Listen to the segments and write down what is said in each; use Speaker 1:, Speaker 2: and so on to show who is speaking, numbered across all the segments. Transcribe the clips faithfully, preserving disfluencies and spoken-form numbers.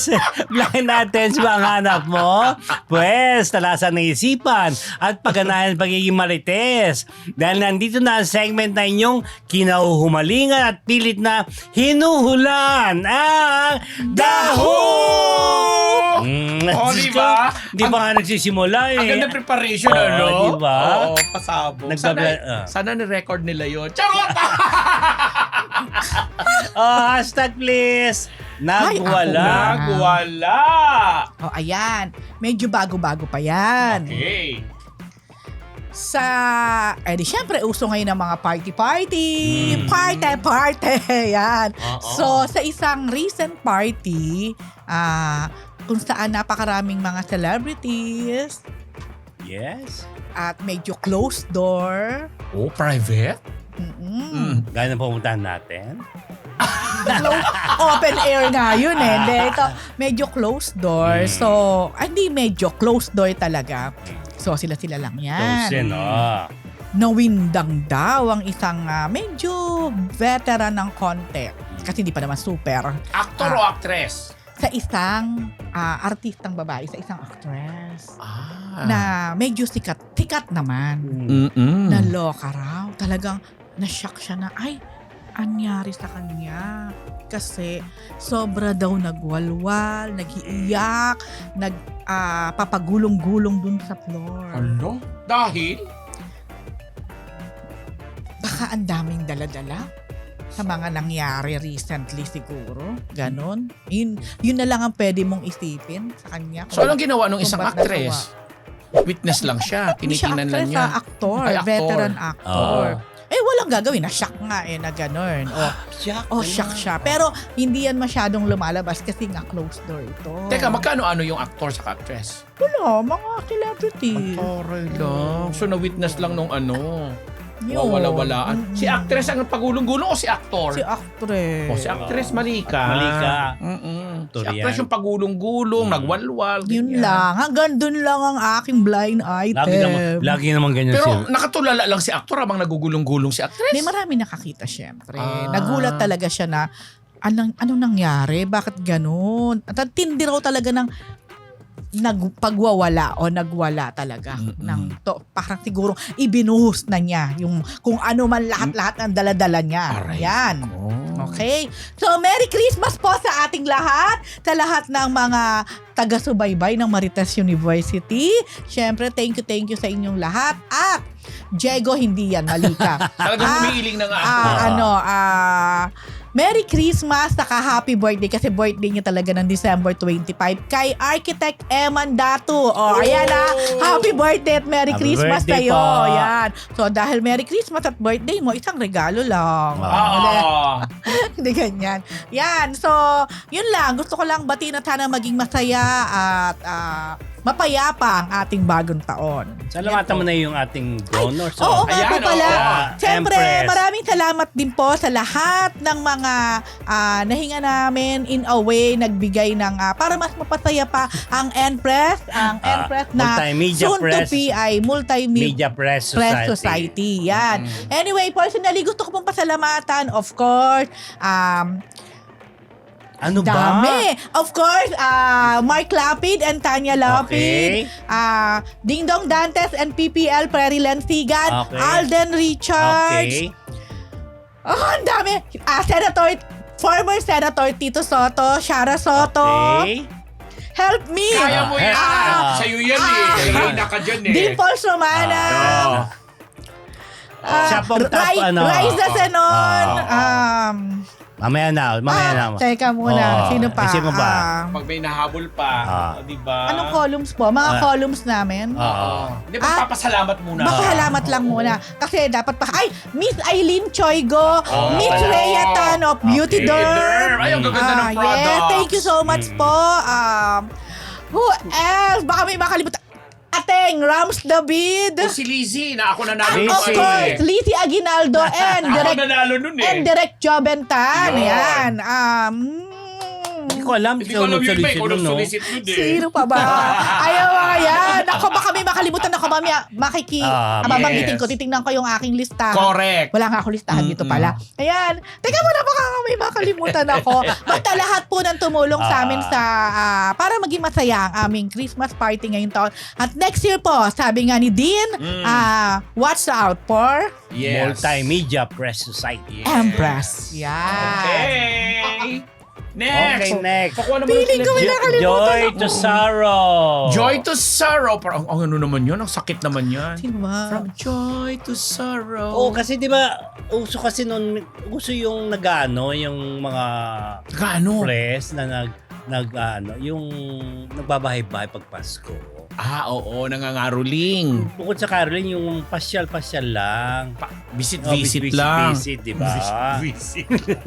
Speaker 1: Blind, blind items ba ang hanap mo? Pwes, talasan ng isipan at pagganahan pagiging marites. Dahil nandito na ang segment na inyong kinahuhumalingan at pilit na hinuhulan ang Daho! Mm,
Speaker 2: Oh, di ba?
Speaker 1: Di ba nga nagsisimula eh?
Speaker 2: Ang ganda preparation,
Speaker 1: Oo,
Speaker 2: ano?
Speaker 1: di ba?
Speaker 2: Oo, pasabog.
Speaker 1: Nagbabla-
Speaker 2: Sana,
Speaker 1: ah.
Speaker 2: sana ni-record nila yun. Charot!
Speaker 1: Oh, hashtag please. Nagwala.
Speaker 2: Nagwala!
Speaker 3: O, ayan. Medyo bago-bago pa yan.
Speaker 2: Okay.
Speaker 3: Sa, eh di syempre, uso ngayon ng mga party-party.
Speaker 1: Mm.
Speaker 3: Party-party. Yan.
Speaker 2: Oo.
Speaker 3: So, sa isang recent party, ah, kung saan napakaraming mga celebrities
Speaker 1: Yes.
Speaker 3: at medyo closed door.
Speaker 2: Oh, private?
Speaker 3: Mm-mm.
Speaker 2: Mm.
Speaker 1: Gano'n pumuntahan natin?
Speaker 3: Close- open air nga yun eh. Hindi, ito, medyo closed door.
Speaker 1: Mm.
Speaker 3: So, ah, hindi medyo closed door talaga. So, sila-sila lang yan.
Speaker 1: Close yan, oh.
Speaker 3: Nawindang daw ang isang ah, medyo veteran ng konti. Kasi hindi pa naman super.
Speaker 2: Actor
Speaker 3: Ah.
Speaker 2: o actress?
Speaker 3: Sa isang ah, artistang babae, sa isang actress.
Speaker 2: Ah.
Speaker 3: Na medyo sikat. Sikat naman.
Speaker 2: Mm-mm.
Speaker 3: Naloka raw. Talagang na-shock siya na, ay, anyari sa kanya. Kasi sobra daw nagwalwal, nag-iiyak, nag ah, papagulong-gulong dun sa floor.
Speaker 2: Ano? Dahil?
Speaker 3: Baka ang daming daladala sa mga nangyari recently siguro. Ganon. Yun, yun na lang ang pwede mong isipin sa kanya.
Speaker 2: So, anong ginawa nung
Speaker 3: kung
Speaker 2: isang
Speaker 3: ba't
Speaker 2: actress? Witness lang siya.
Speaker 3: Hindi siya
Speaker 2: Tinitingnan lang
Speaker 3: actress,
Speaker 2: niya.
Speaker 3: ah, actor.
Speaker 2: Ay, actor.
Speaker 3: Veteran actor.
Speaker 1: Oo.
Speaker 3: Eh, walang gagawin. Na-shock nga eh, na gano'n. O,
Speaker 1: Shock.
Speaker 3: oh, shock siya. Pero, hindi yan masyadong lumalabas kasi nga closed door ito.
Speaker 2: Teka, magkano-ano yung actor sa actress?
Speaker 3: Wala, mga celebrity.
Speaker 2: Aray lang. So, na-witness lang nung ano.
Speaker 3: Yun.
Speaker 2: Wala-walaan.
Speaker 3: Mm-mm.
Speaker 2: Si actress ang pagulong-gulong o si actor?
Speaker 3: Si actress.
Speaker 2: O, si actress, mali ka.
Speaker 1: Mali ka.
Speaker 2: Mm-mm. Si
Speaker 1: Turian.
Speaker 2: actress yung pagulong-gulong,
Speaker 1: Mm.
Speaker 2: nagwalwal.
Speaker 3: Yun
Speaker 2: ganyan.
Speaker 3: lang. Hanggang dun lang ang aking blind item.
Speaker 1: Lagi naman, lagi naman ganyan
Speaker 2: Pero
Speaker 1: siya.
Speaker 2: nakatulala lang si actor habang nagugulong-gulong si actress.
Speaker 3: May marami nakakita syempre.
Speaker 2: Ah.
Speaker 3: Nagulat talaga siya na anong, anong nangyari? Bakit ganun? At ang tindi raw talaga ng nagpagwawala o nagwala talaga
Speaker 2: Mm-mm.
Speaker 3: ng to, parang siguro ibinuhos na niya yung kung ano man lahat-lahat ng daladala niya.
Speaker 2: Aray
Speaker 3: Yan.
Speaker 2: ko.
Speaker 3: Okay? So, Merry Christmas po sa ating lahat, sa lahat ng mga taga-subaybay ng Marites University. Siyempre, thank you, thank you sa inyong lahat. At, Diego, hindi yan, mali ka.
Speaker 2: Talagang
Speaker 3: Ah,
Speaker 2: humiiling na nga ako.
Speaker 3: Ah, ano, ah, Merry Christmas, saka happy birthday kasi birthday niya talaga ng December twenty-fifth kay Architect Eman Datu. O, ayan ah, happy birthday at Merry
Speaker 1: Happy
Speaker 3: Christmas
Speaker 1: birthday
Speaker 3: sa'yo.
Speaker 1: po.
Speaker 3: Ayan. So, dahil Merry Christmas at birthday mo, isang regalo lang.
Speaker 2: Ah.
Speaker 3: Hindi ganyan. Yan. So, yun lang. Gusto ko lang batiin at sana maging masaya at ah, mapayapa ang ating bagong taon.
Speaker 1: Salamatan mo na yung ating donors.
Speaker 3: Oo nga
Speaker 2: Ayan,
Speaker 3: po pala.
Speaker 1: oh.
Speaker 3: Siyempre,
Speaker 1: Empress.
Speaker 3: maraming salamat din po sa lahat ng mga ah, nahinga namin in a way, nagbigay ng ah, para mas mapasaya pa ang Empress, ang
Speaker 1: Ah,
Speaker 3: Empress na
Speaker 1: Multimedia
Speaker 3: soon
Speaker 1: Press.
Speaker 3: to be ay Multimedia
Speaker 1: Media Press
Speaker 3: Press
Speaker 1: Society.
Speaker 3: Society. Yan. Anyway, personally, gusto ko pong pasalamatan, of course, um,
Speaker 1: Ano ba?
Speaker 3: dami. Of course, ah Mark Lapid and Tanya Lapid.
Speaker 1: Okay.
Speaker 3: ah Ding Dong Dantes and P P L Prairie Lansigan.
Speaker 1: Okay.
Speaker 3: Alden Richards.
Speaker 1: Okay.
Speaker 3: Oh, ang dami. Ah, Senator, former Senator Tito Soto, Shara Soto.
Speaker 1: Okay.
Speaker 3: Help me.
Speaker 2: Kaya mo yan.
Speaker 1: Ah.
Speaker 2: Sa'yo yan eh.
Speaker 3: Ah.
Speaker 2: Reyna ka dyan eh.
Speaker 3: Dimples Romana.
Speaker 2: Ah.
Speaker 3: ah,
Speaker 1: Siya pong top,
Speaker 3: Rai-
Speaker 1: ano.
Speaker 3: Raisa Senon.
Speaker 1: Ah.
Speaker 3: um,
Speaker 1: Mamaya na. Mamaya na.
Speaker 3: ah, teka muna.
Speaker 1: Oo.
Speaker 3: Sino pa?
Speaker 1: Eh, sino ba?
Speaker 3: Ah,
Speaker 2: Pag may nahabol pa,
Speaker 1: Ah.
Speaker 2: di ba?
Speaker 3: anong columns po? Mga
Speaker 1: Ah.
Speaker 3: columns namin.
Speaker 1: Oo.
Speaker 2: Di ba
Speaker 3: Ah.
Speaker 2: papasalamat muna?
Speaker 3: Makahalamat lang muna. Kasi dapat pa, ay, Miss Eileen Choigo,
Speaker 2: Oh,
Speaker 3: Miss
Speaker 2: pala.
Speaker 3: Rhea Tan of Beauty
Speaker 2: Okay.
Speaker 3: Derm.
Speaker 2: Derm. Ay, ang gaganda ng
Speaker 3: Ah,
Speaker 2: products.
Speaker 3: yes, thank you so much
Speaker 1: Mm.
Speaker 3: po. Um, who else? Baka may makalimutan. Ateng, Rams David.
Speaker 2: O si Lizzie, na ako nanalo
Speaker 1: Lizzie.
Speaker 3: Of
Speaker 2: nung
Speaker 3: course,
Speaker 2: eh.
Speaker 3: Lizzie Aguinaldo and
Speaker 2: Ako
Speaker 3: Direct
Speaker 2: nanalo nun eh.
Speaker 3: and Direct Jobentan.
Speaker 2: Yun.
Speaker 3: Yan. Um,
Speaker 1: Hindi ko alam.
Speaker 2: Hindi ko alam yun ba, ikaw
Speaker 1: no?
Speaker 2: nag-solicit yun eh.
Speaker 3: Sino pa ba? Ayaw mga yan. Ako baka may makalimutan ako mamaya. Makiki.
Speaker 1: Ah,
Speaker 3: Ah, babanggitin
Speaker 2: yes.
Speaker 3: ko. Titingnan ko yung aking listahan.
Speaker 2: Correct.
Speaker 3: Wala nga ako listahan dito pala. Ayan. Teka muna baka may makalimutan ako. Basta lahat po ng tumulong sa amin sa ah, para maging masaya ang aming Christmas party ngayong taon. At next year po, sabi nga ni Dean, ah, watch out for
Speaker 2: Yes.
Speaker 1: Multimedia Press Society.
Speaker 2: Yes.
Speaker 3: Empress. Yan.
Speaker 2: Okay. Next.
Speaker 1: Okay, next.
Speaker 2: Pakuha naman
Speaker 3: Feeling ko
Speaker 2: sila.
Speaker 3: may nakalimutan
Speaker 1: Joy
Speaker 3: ako.
Speaker 1: to sorrow.
Speaker 2: Joy to sorrow. Parang, ang ano naman yun? Ang sakit naman yan.
Speaker 3: Sino ba?
Speaker 2: From joy to sorrow.
Speaker 1: Oo, kasi di ba, uso kasi noon, uso yung nagano, yung mga
Speaker 2: Gaano?
Speaker 1: press na nag, nag ano, yung nagbabahay-bahay pag Pasko.
Speaker 2: Ah, oo. Nangangaruling.
Speaker 1: Bukod sa Caroline, yung pasyal-pasyal lang.
Speaker 2: Pa- visit,
Speaker 1: Oh,
Speaker 2: visit lang.
Speaker 1: Visit, di ba?
Speaker 2: Visit.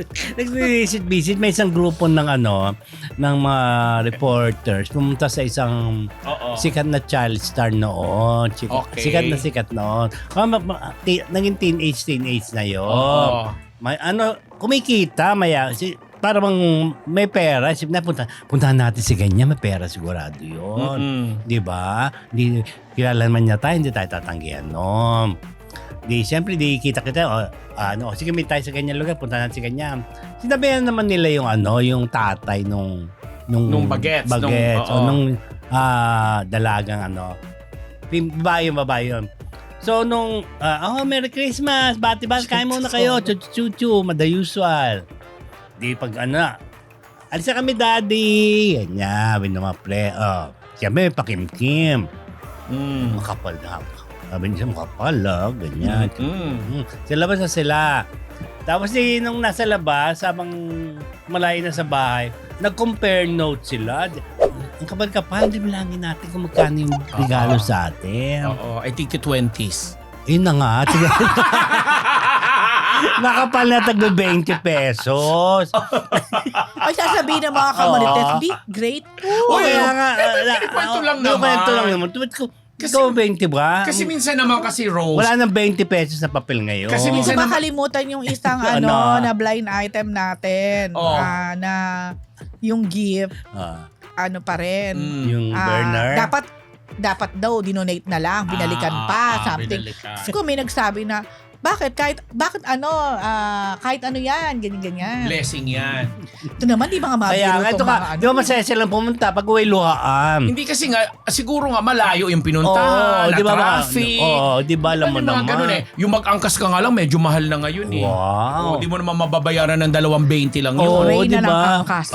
Speaker 1: Nag-visit, visit. May isang grupo ng ano, ng mga reporters pumunta sa isang
Speaker 2: Oo.
Speaker 1: sikat na child star noon. Sikat,
Speaker 2: Okay.
Speaker 1: sikat na sikat noon. Oh, ma- ma- ti- naging teenage, teenage na yun.
Speaker 2: Oo.
Speaker 1: May, ano, kumikita, maya, si, para bang may pera, isip na, punta, puntahan natin si ganyan, may pera sigurado yun.
Speaker 2: Mm-mm.
Speaker 1: Di ba? Di, kilala man niya tayo, hindi tayo tatanggihan, no? Di, siyempre, di kita-kita, o, ano, sige, may tayo sa ganyan lugar, punta natin si ganyan. Sinabihan naman nila yung, ano, yung tatay nung, nung,
Speaker 2: Nung bagets,
Speaker 1: bagets,
Speaker 2: nung-
Speaker 1: o
Speaker 2: oo.
Speaker 1: nung, ah, dalagang, ano, Pim- babae yung babae yun. So, nung, ah, oh, Merry Christmas, bati-bati, kain muna kayo, chu-chu-chu, mada usual. Di pag ano, alis na kami daddy, ganyan, binamaple, oh. Siyempre, may pakimkim.
Speaker 2: Mm.
Speaker 1: Makapal na. Sabi niya, makapal ah, ganyan.
Speaker 2: Mm.
Speaker 1: Mm. Sa labas na sila. Tapos di, nung nasa labas, habang malayo na sa bahay, nag-compare notes sila. Ang kapal-kapal, di bilangin natin kung magkano yung regalo sa atin.
Speaker 2: Oo. I think the twenties.
Speaker 1: Yun na nga. Nakapal na taglo twenty pesos.
Speaker 3: Ay, sasabihin ng mga kamalites,
Speaker 1: Oo.
Speaker 3: di, great po.
Speaker 1: O
Speaker 2: Uy,
Speaker 1: kaya nga.
Speaker 2: eh, kwento lang naman.
Speaker 1: Kwento lang naman. Tuwid ko,
Speaker 2: Kasi-
Speaker 1: ikaw twenty ba?
Speaker 2: Kasi minsan naman kasi Rose.
Speaker 1: Wala nang twenty pesos na papel ngayon.
Speaker 2: Kasi
Speaker 3: Hindi ko
Speaker 2: minsan naman-
Speaker 3: makalimutan yung isang
Speaker 1: Ano?
Speaker 3: ano na blind item natin.
Speaker 2: Oo.
Speaker 3: Ah, na yung gift,
Speaker 1: Ah,
Speaker 3: ano pa rin.
Speaker 2: Mm.
Speaker 1: yung
Speaker 3: Ah,
Speaker 1: burner.
Speaker 3: dapat dapat daw dinonate na lang, binalikan
Speaker 2: Ah,
Speaker 3: pa,
Speaker 2: ah,
Speaker 3: something.
Speaker 2: binalikan.
Speaker 3: Kasi kung may nagsabi na, bakit kahit bakit ano ah, kahit ano yan, ganyan ganyan.
Speaker 2: Blessing yan.
Speaker 3: Ito naman di ba nga
Speaker 1: Kaya nga,
Speaker 3: mabiro
Speaker 1: ito
Speaker 3: tong
Speaker 1: ka,
Speaker 3: mga ano.
Speaker 1: di ba masaya silang pumunta pag uwi luhaan?
Speaker 2: Hindi kasi nga, siguro nga malayo yung
Speaker 1: Oo,
Speaker 2: pinuntahan,
Speaker 1: di ba
Speaker 2: na
Speaker 1: ba?
Speaker 2: traffic.
Speaker 1: Oo, di ba alam mo
Speaker 2: Yung mga
Speaker 1: naman?
Speaker 2: ganun eh. Yung mag-angkas ka nga lang, medyo mahal na ngayon eh.
Speaker 1: Wow.
Speaker 2: Oo, di mo naman mababayaran ng dalawang twenty lang yun.
Speaker 1: Oo.
Speaker 3: Ray
Speaker 1: di
Speaker 3: na
Speaker 1: ba?
Speaker 3: lang angkas.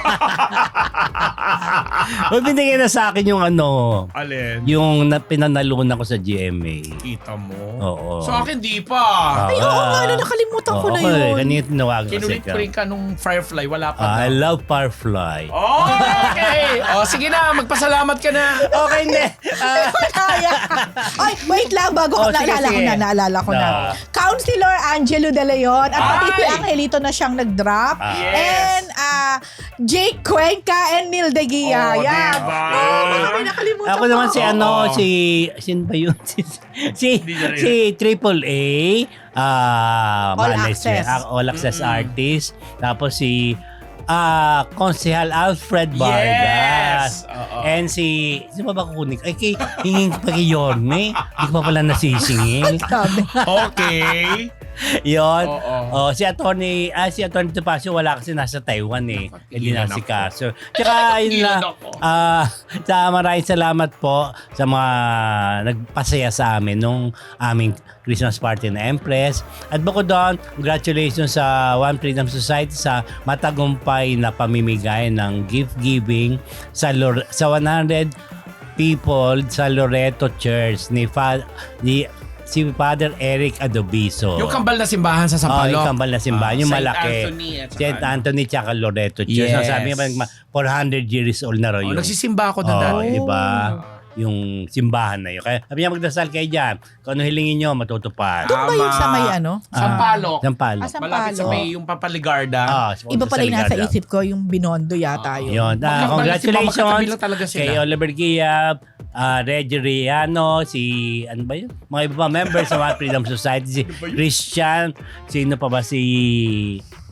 Speaker 1: O, binigay na sa akin yung ano,
Speaker 2: Alin?
Speaker 1: yung na, pinanalunan ko sa G M A.
Speaker 2: Kita mo.
Speaker 1: Oo.
Speaker 2: Sa akin, di pa.
Speaker 3: Ay, oo nga, ano, nakalimutan ko na yun.
Speaker 1: Kanina tinawagan ko
Speaker 2: Kinulit
Speaker 1: siya.
Speaker 2: ko rin ka nung Firefly, wala pa.
Speaker 1: Ah, I
Speaker 2: na.
Speaker 1: love Firefly.
Speaker 2: Oh, okay. O, sige na, magpasalamat ka na.
Speaker 1: Okay, hindi. Ah,
Speaker 3: Kaya. Ay, wait lang bago ko
Speaker 1: Oh, sige,
Speaker 3: naalala ko
Speaker 1: sige.
Speaker 3: na, naalala ko na.
Speaker 1: Ah.
Speaker 3: Councilor Angelo De Leon at pati si
Speaker 2: Ay!
Speaker 3: Angelito na siyang nag-drop.
Speaker 1: Ah.
Speaker 2: Yes.
Speaker 3: And ah, Jake Cuenca and Neil De Gia.
Speaker 2: Oh,
Speaker 3: Yan.
Speaker 2: diba?
Speaker 3: Oh, baka may nakalimutan
Speaker 1: ako naman
Speaker 3: ko.
Speaker 1: si ano,
Speaker 2: Oo.
Speaker 1: si, sin ba yun? Si, si,
Speaker 2: Hindi na rin.
Speaker 1: si Triple A, ah,
Speaker 3: All
Speaker 1: management,
Speaker 3: Access.
Speaker 1: ah, all access
Speaker 2: Mm-mm.
Speaker 1: artist. Tapos si, ah, Konsehal Alfred Vargas.
Speaker 2: Yes. Oo.
Speaker 1: And si, sino ba ba kukunin? Ay, kay, hinging pa kay Yorme. Hindi ko pa pala nasisingil.
Speaker 3: Sabi.
Speaker 2: Okay.
Speaker 1: Yun.
Speaker 2: Oo.
Speaker 1: Oh, si Atty. Ah, si Atty. Topacio wala kasi nasa Taiwan eh. Hindi
Speaker 2: Tigilan
Speaker 1: na si
Speaker 2: ako.
Speaker 1: Kaso. Tsaka yun
Speaker 2: Tigilan
Speaker 1: lang.
Speaker 2: ako.
Speaker 1: Ah, sa maraming salamat po sa mga nagpasaya sa amin nung aming Christmas party na Empress. At bukod doon, congratulations sa One Freedom Society sa matagumpay na pamimigay ng gift giving sa Lor- sa one hundred people sa Loreto Church ni Fa- ni si Father Eric Adobiso.
Speaker 2: Yung kambal na simbahan sa
Speaker 1: Oh,
Speaker 2: Sampaloc.
Speaker 1: yung kambal na simbahan,
Speaker 2: Ah,
Speaker 1: yung
Speaker 2: Saint
Speaker 1: malaki.
Speaker 2: Anthony at saka
Speaker 1: Saint
Speaker 2: ano.
Speaker 1: Anthony tsaka Loreto Church.
Speaker 2: Yes.
Speaker 1: So, sabi nga, four hundred years old na raw
Speaker 2: Oh,
Speaker 1: yun.
Speaker 2: nagsisimba ako doon
Speaker 1: Oo,
Speaker 2: dati.
Speaker 1: di ba? Yung simbahan na yun. Kaya sabi niya, magdasal kayo dyan. Kung ano hilingin nyo, matutupad.
Speaker 3: Doon ba yun sa may ano?
Speaker 2: Sampaloc.
Speaker 1: Sampalo.
Speaker 3: Ah, sa-
Speaker 2: Malapit sa
Speaker 3: Sampaloc.
Speaker 2: may yung Papaligarda.
Speaker 1: Ah,
Speaker 3: Iba pala yung nasa
Speaker 1: Ligarda.
Speaker 3: isip ko, yung Binondo yata yun.
Speaker 1: Yun. Ah,
Speaker 2: Magkakabal na si Mama, magkatabi
Speaker 1: congratulations
Speaker 2: lang talaga sila.
Speaker 1: kay Oliver Giab, uh, Reggie Riano, si, ano ba yun? Mga iba pa members sa One Freedom Society, si Christian, sino pa ba si,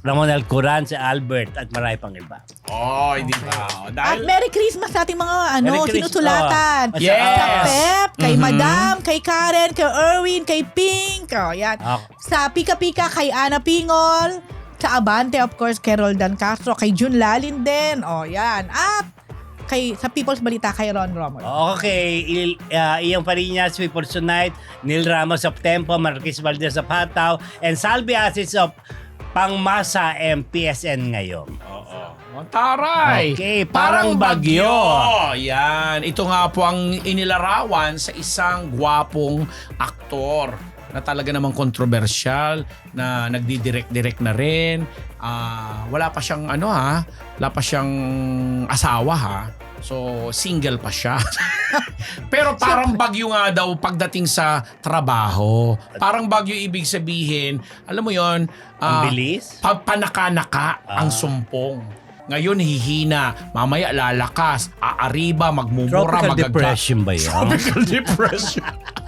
Speaker 1: Ramon Alcoran, si Albert, at marami pang iba.
Speaker 2: Oh, hindi ba?
Speaker 3: At
Speaker 2: Dahil,
Speaker 3: Merry Christmas sa ating mga ano,
Speaker 1: Merry Christmas.
Speaker 3: sinusulatan.
Speaker 1: Oh.
Speaker 2: Yes.
Speaker 3: Sa Pep, kay
Speaker 2: Mhm.
Speaker 3: Madam, kay Karen, kay Erwin, kay Pink. Oh, yan.
Speaker 1: Ah,
Speaker 3: Sa Pika Pika, kay Ana Pingol. Sa Abante, of course, kay Roldan Castro. Kay Jun Lalin din. Oh, yan. At kay, sa People's Balita, kay Ron Romulo.
Speaker 1: Okay, Il, uh, Iyang Parinas, People's Tonight, Neil Ramos of Tempo, Marquis Valdez of Hataw, and Salvi Asis of Pangmasa M P S N ngayon.
Speaker 2: Oo. Oh, taray!
Speaker 1: Okay, parang bagyo.
Speaker 2: Yan. Ito nga po ang inilarawan sa isang gwapong aktor na talaga namang kontrobersyal, na nagdidirect-direct na rin. Ah, wala pa siyang ano ha, wala pa siyang asawa ha. So, single pa siya. Pero parang bagyo nga daw pagdating sa trabaho. Parang bagyo ibig sabihin, alam mo yon,
Speaker 1: Ang
Speaker 2: ah,
Speaker 1: bilis.
Speaker 2: pa- panaka-naka ang
Speaker 1: Ah.
Speaker 2: sumpong. Ngayon hihina, mamaya lalakas, aariba, magmumura,
Speaker 1: Tropical
Speaker 2: magaga.
Speaker 1: depression ba yan?
Speaker 2: Tropical depression.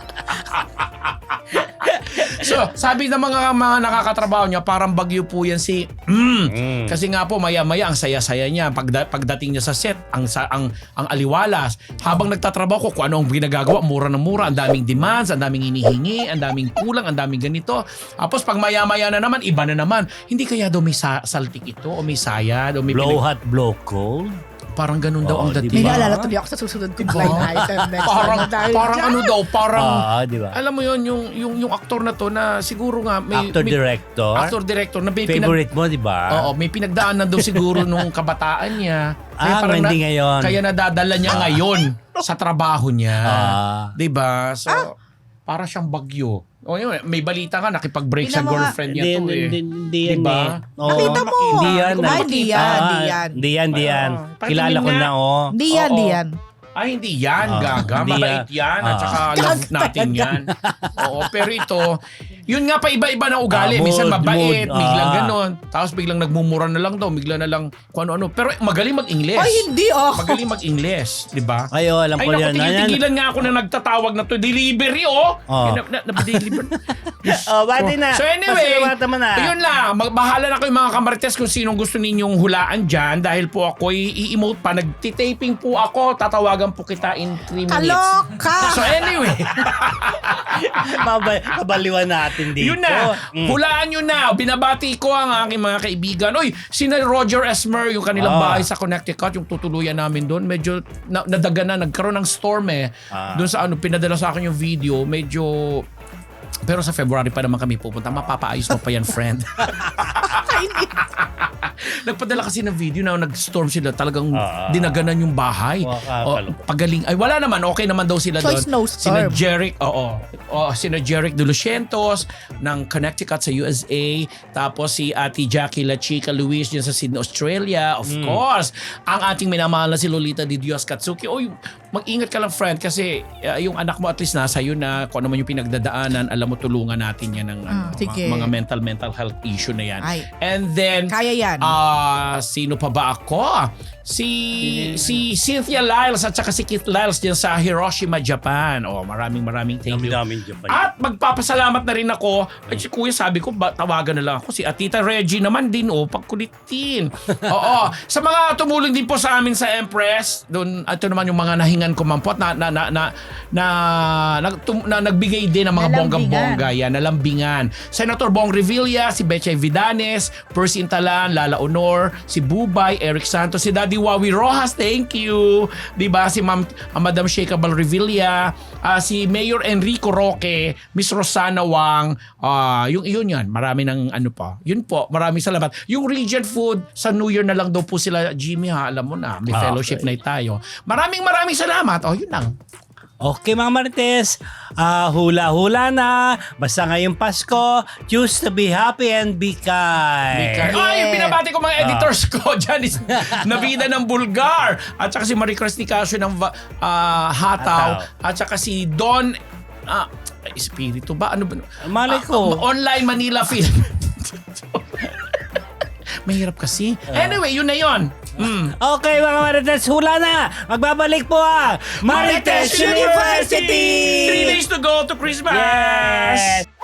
Speaker 2: So, sabi ng mga mga nakakatrabaho niya, parang bagyo po yan si mm.
Speaker 1: Mm.
Speaker 2: Kasi nga po maya-maya ang saya-saya niya pagda, pagdating niya sa set, ang sa, ang ang aliwalas. Habang nagtatrabaho ko, kung ano ang ginagagawa, mura na mura, ang daming demands, ang daming hinihingi, ang daming kulang, ang daming ganito. Tapos pag maya-maya na naman, iba na naman. Hindi kaya daw may sa, saltik ito o may sayad o may
Speaker 1: Blow
Speaker 2: pinag-
Speaker 1: hot, blow cold.
Speaker 2: parang ganun daw
Speaker 1: Oo,
Speaker 2: ang
Speaker 1: di
Speaker 3: May
Speaker 2: dating.
Speaker 1: ba?
Speaker 3: naalala tuloy ako sa susunod kong
Speaker 2: Diba?
Speaker 3: blind item next
Speaker 2: Parang
Speaker 3: time. Dahil
Speaker 2: parang
Speaker 3: dyan.
Speaker 2: ano daw, parang
Speaker 1: Ah, di ba?
Speaker 2: alam mo yon yung yung yung aktor na to na siguro nga may
Speaker 1: Actor
Speaker 2: may-
Speaker 1: director.
Speaker 2: actor director na may pinag,
Speaker 1: Favorite mo, di ba?
Speaker 2: Oo, may pinagdaanan daw siguro nung kabataan niya.
Speaker 1: Ah, hindi ngayon.
Speaker 2: Kaya nadadala niya ngayon sa trabaho niya.
Speaker 1: Ah.
Speaker 2: 'Di ba? So para siyang bagyo. O yun, may balita nga nakipag-break sa
Speaker 3: Tingnan mo nga.
Speaker 2: girlfriend niya
Speaker 1: Hindi,
Speaker 2: to eh.
Speaker 1: hindi, hindi yan
Speaker 2: Diba?
Speaker 1: eh. Oo.
Speaker 3: Nakita mo.
Speaker 1: Hindi yan.
Speaker 3: Ay,
Speaker 1: ah.
Speaker 3: hindi yan,
Speaker 1: Ah,
Speaker 3: hindi yan.
Speaker 1: Hindi yan, hindi yan.
Speaker 2: Oo.
Speaker 1: Kilala ko
Speaker 2: Patingin
Speaker 1: na, oh.
Speaker 3: Di yan,
Speaker 2: Oo.
Speaker 3: di yan.
Speaker 2: Ay, hindi yan,
Speaker 1: Ah,
Speaker 2: gaga.
Speaker 1: hindi
Speaker 2: Mabait yan. At
Speaker 1: Ah.
Speaker 2: saka love natin yan. Oo, pero ito, yun nga pa iba-iba na ugali.
Speaker 1: Ah, mood,
Speaker 2: Minsan mabait,
Speaker 1: mood,
Speaker 2: biglang
Speaker 1: ah.
Speaker 2: ganon. Tapos biglang nagmumura na lang daw, bigla na lang kung ano-ano. Pero magaling mag-Ingles.
Speaker 3: Ay, hindi oh.
Speaker 2: Magaling mag-Ingles, di ba?
Speaker 1: Ay, oh, alam
Speaker 2: Ay,
Speaker 1: ko
Speaker 2: naku,
Speaker 1: yan. Ayan.
Speaker 2: tigil-tigilan nga ako na nagtatawag na to. Delivery, oh!
Speaker 1: Oh.
Speaker 2: Na, na, na-deliver.
Speaker 1: Oh, bati na.
Speaker 2: So anyway,
Speaker 1: Pasalamatan mo na.
Speaker 2: yun lang. Magbahala na kayo mga kamarites kung sinong gusto ninyong hulaan dyan. Dahil po ako i-emote pa. Nagtitaping po ako. Tatawagan po kita in three minutes.
Speaker 3: Kaloka!
Speaker 2: So anyway,
Speaker 1: Mabay, kabaliwan natin dito.
Speaker 2: yun na.
Speaker 1: Mm.
Speaker 2: Hulaan nyo na. Binabati ko ang aking mga kaibigan. Uy, sina Roger Esmer, yung kanilang
Speaker 1: Ah.
Speaker 2: bahay sa Connecticut, yung tutuluyan namin doon. Medyo na, nadaga na. Nagkaroon ng storm eh.
Speaker 1: Ah.
Speaker 2: Doon sa ano, pinadala sa akin yung video. Medyo... Pero sa February pa naman kami pupunta. Mapapaayos mo pa yan, friend. Nagpadala kasi ng video na nag-storm sila. Talagang
Speaker 1: Ah.
Speaker 2: dinaganan yung bahay.
Speaker 1: Wow,
Speaker 2: O,
Speaker 1: kalungkot.
Speaker 2: pagaling. Ay, wala naman. Okay naman daw sila
Speaker 3: So,
Speaker 2: doon.
Speaker 3: snowstorm.
Speaker 2: Sina Jeric, oo. O, sina Jeric de Lucientos ng Connecticut sa U S A. Tapos si Ate Jackie La Chica Luis dyan sa Sydney, Australia. Of course. Ang ating minamahal na si Lolita Di Dios Katsuki. Oy, mag-ingat ka lang, friend. Kasi uh, yung anak mo at least nasa yun na kung ano man yung pinagdadaanan, alam mo, tulungan natin yan ng
Speaker 3: Ah,
Speaker 2: ano,
Speaker 3: sige.
Speaker 2: mga mental mental health issue na yan.
Speaker 3: Ay.
Speaker 2: And then,
Speaker 3: Kaya yan.
Speaker 2: Ah, sino pa ba ako? Si si Cynthia Lyles at saka si Keith Lyles diyan sa Hiroshima, Japan. Oh, maraming maraming thank you.
Speaker 1: Dami-dami Japan.
Speaker 2: At magpapasalamat na rin ako. At si Kuya sabi ko, ba, tawagan na lang ako. Si Atita Reggie naman din, oh, pagkulitin. Oo. Sa mga tumulong din po sa amin sa Empress, doon, ito naman yung mga nahingan ko man po at na, na, na, na, na, na, tum- na nagbigay din ng mga
Speaker 3: Nalambingan.
Speaker 2: bongga-bongga yan, nalambingan. Senator Bong Revilla, si Betchay Vidanes, Percy Intalan, Lala Honor, si Bubay, Eric Santos, si Daddy Wawi Rojas, thank you. Diba? Si Ma'am, uh, Madam Sheikha Balrevilla, uh, si Mayor Enrico Roque, Miss Rosana Wang, uh, yung yun yan, marami ng ano pa. Yun po, maraming salamat. Yung Regent Food, sa New Year na lang daw po sila, Jimmy ha, alam mo na, may
Speaker 1: Ah,
Speaker 2: fellowship
Speaker 1: okay.
Speaker 2: night tayo. Maraming maraming salamat. Oh, yun lang.
Speaker 1: Okay mga Marites, ah, hula-hula na. Basta ngayong Pasko, choose to be happy and be kind.
Speaker 2: Ay, Ay, yung binabati ko mga editors ko. Janice Navida ng Bulgar. At saka si Marie Chris Nicasio ng Va- ah, Hataw. At saka si Don... ah, Espiritu ba? Ano ba?
Speaker 1: Malay
Speaker 2: Ah,
Speaker 1: ko.
Speaker 2: Online Manila Film. Mahirap kasi. Anyway, yun na yun. Mm.
Speaker 1: Okay mga Marites, hula na. Magbabalik po ang Marites University!
Speaker 2: Three days to go to Christmas!
Speaker 1: Yes!